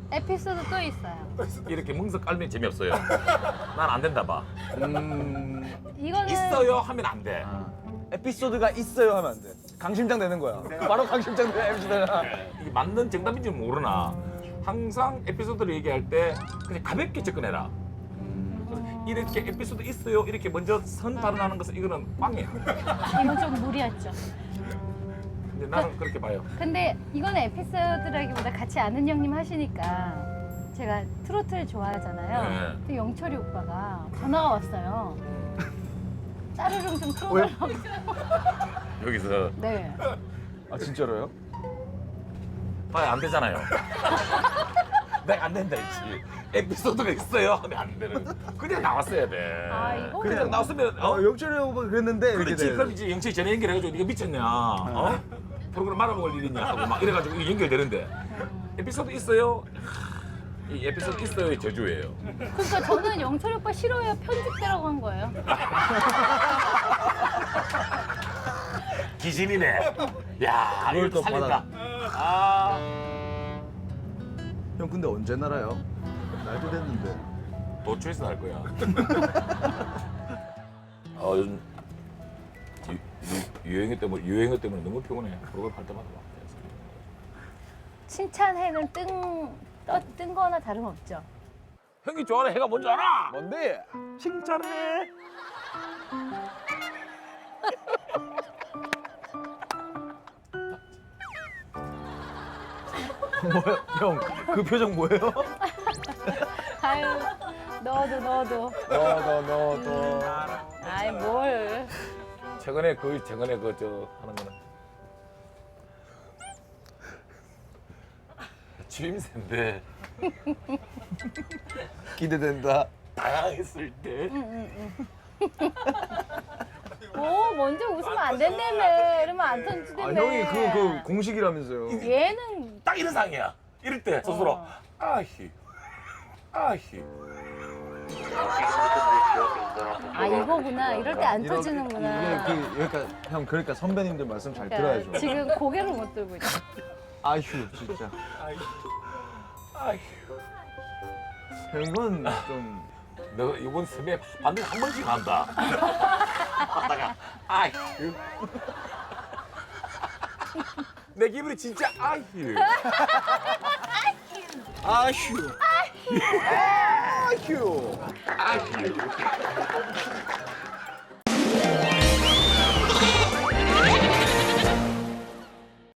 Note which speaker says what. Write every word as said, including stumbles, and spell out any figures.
Speaker 1: 에피소드 또 있어요.
Speaker 2: 이렇게 멍석 깔면 재미없어요. 난 안 된다 봐.
Speaker 3: 음.
Speaker 1: 이거는
Speaker 2: 있어요 하면 안 돼.
Speaker 3: 에피소드가 있어요 하면 안 돼. 강심장 되는 거야. 바로 강심장 돼 에피소드가.
Speaker 2: 이게 맞는 정답인지 모르나 항상 에피소드를 얘기할 때 그냥 가볍게 접근해라. 이렇게 에피소드 있어요 이렇게 먼저 선 발언하는 것은 이거는 꽝이야.
Speaker 1: 이건 좀 무리였죠.
Speaker 2: 근데 나는 그렇게 봐요.
Speaker 1: 근데 이거는 에피소드라기보다 같이 아는 형님 하시니까 제가 트로트를 좋아하잖아요.
Speaker 2: 네.
Speaker 1: 근데 영철이 오빠가 전화가 왔어요. 따르릉 좀 틀어달라고.
Speaker 2: 여기서
Speaker 1: 네.
Speaker 3: 아 진짜로요?
Speaker 2: 봐야 안 되잖아요. 내가 안 된다 했지. 에피소드가 있어요 하면 안 되는. 그냥 나왔어야 돼.
Speaker 1: 아, 이거
Speaker 2: 그냥 나왔으면
Speaker 3: 어,
Speaker 2: 어?
Speaker 3: 영철이 오빠 그랬는데 이렇게
Speaker 2: 그렇지.
Speaker 3: 돼.
Speaker 2: 그럼 이제 영철이 전화 연결해가지고 네가 미쳤냐? 어? 프로그램 말아먹을 일이냐 하고 막 이래가지고 이게 연결되는데 에피소드 있어요? 이 에피소드 있어요의 저주예요.
Speaker 1: 그러니까 저는 영철이 오빠 싫어요. 편집되라고 한 거예요.
Speaker 2: 기신이네. 야,
Speaker 3: 그걸
Speaker 2: 이걸
Speaker 3: 또
Speaker 2: 살린다.
Speaker 3: 받아.
Speaker 2: 아,
Speaker 3: 형 근데 언제 날아요? 날도 됐는데.
Speaker 2: 도초에서 날 거야. 어, 요즘 유, 유, 유행어 때문에 유행어 때문에 너무 피곤해. 프로그램 할 때마다 막.
Speaker 1: 칭찬해는 뜬, 떠, 뜬 거나 다름없죠.
Speaker 2: 형이 좋아하는 해가 뭔지 알아?
Speaker 3: 뭔데?
Speaker 2: 칭찬해.
Speaker 3: 뭐야? 형 그 표정 뭐예요?
Speaker 1: 아유, 너도 너도.
Speaker 3: 너너 너 너.
Speaker 1: 아이 뭘.
Speaker 2: 최근에 그 최근에 그 저 하는 거는 취임새인데
Speaker 3: 기대된다.
Speaker 2: 다양했을 때
Speaker 1: 오, 먼저 웃으면 안 된다며. 이러면 안
Speaker 3: 아
Speaker 1: 던지다며.
Speaker 3: 형이 그 그 공식이라면서요.
Speaker 1: 얘는
Speaker 2: 딱 이런 상이야. 이럴 때 스스로
Speaker 1: 어.
Speaker 2: 아히 아히
Speaker 1: 아 이거구나. 이럴 때 안
Speaker 3: 이렇게-
Speaker 1: 터지는구나.
Speaker 3: 이게 그 그러니까 형 그러니까 선배님들 말씀 잘
Speaker 1: 그러니까
Speaker 3: 들어야죠.
Speaker 1: 지금 고개를 못 들고 있어.
Speaker 3: 아휴 진짜.
Speaker 2: 아히.
Speaker 3: 형 이건 좀.
Speaker 2: 너 이번 sem에 반드시 한 번씩 한다. 하다가 아휴. 내 기분이 진짜 아휴.
Speaker 3: 아휴. 아휴.
Speaker 2: 아휴.